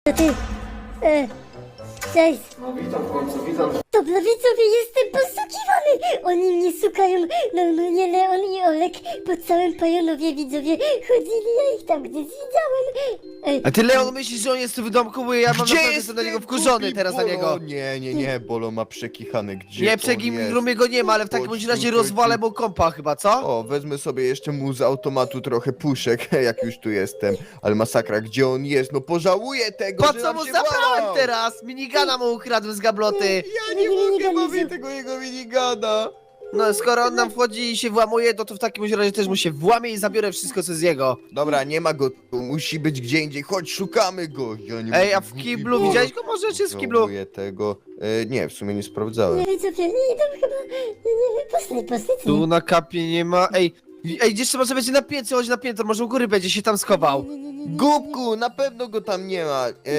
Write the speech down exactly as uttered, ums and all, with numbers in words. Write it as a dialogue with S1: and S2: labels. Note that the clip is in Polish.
S1: To ty... E, cześć.
S2: No witam w końcu, witam.
S1: Dobra widzowie, jestem poszukiwany! Oni mnie szukają, normalnie Leon i Olek po całym Pajonowie, widzowie. Chodzili, ja ich tam gdzieś widziałem. Ej,
S3: A ty, Leon, myślisz, że on jest tu w domku, bo ja mam
S4: Gdzie
S3: naprawdę
S4: jest
S3: jestem na niego
S4: ten
S3: wkurzony
S4: głupi
S3: teraz na
S4: Bolo?
S3: niego.
S4: Nie, nie, nie, Bolo ma przekichany. Gdzie
S3: Nie,
S4: on
S3: przegim
S4: jest?
S3: rumie go nie ma, ale w takim
S4: Chodź
S3: bądź razie
S4: tutaj,
S3: rozwalę
S4: tu.
S3: mu kompa chyba, co?
S4: O, wezmę sobie jeszcze mu z automatu trochę puszek, jak już tu jestem. Ale masakra, gdzie on jest? No pożałuję tego,
S3: Po
S4: że
S3: co
S4: nam
S3: mu
S4: się
S3: zabrałem
S4: włamał.
S3: teraz? Minigana mu ukradłem z gabloty.
S4: Ja nie
S1: Nie, nie, nie,
S4: mogę,
S1: nie,
S4: mamy
S1: nie.
S4: tego jego minigana.
S3: No, skoro on nam wchodzi i się włamuje, to, to w takim bądź razie też mu się włamie i zabiorę wszystko, co z jego.
S4: Dobra, nie ma go tu, musi być gdzie indziej, chodź, szukamy go. Ja nie
S3: Ej,
S4: mogę,
S3: a w
S4: głupi
S3: kiblu
S4: Bolo.
S3: widziałeś go może, czy jest w kiblu?
S4: Żałuję tego. E, nie, w sumie nie sprawdzałem.
S1: nie widzowie, nie idą chyba, nie, nie, poszli, poszli, co
S3: Tu
S1: nie?
S3: na kapie nie ma, ej. Ej, gdzieś trzeba będzie na piętrze, chodź na piętro, może u góry będzie się tam schował.
S1: Nie, nie, nie, nie, nie, nie.
S4: Głupku, na pewno go tam nie ma. E,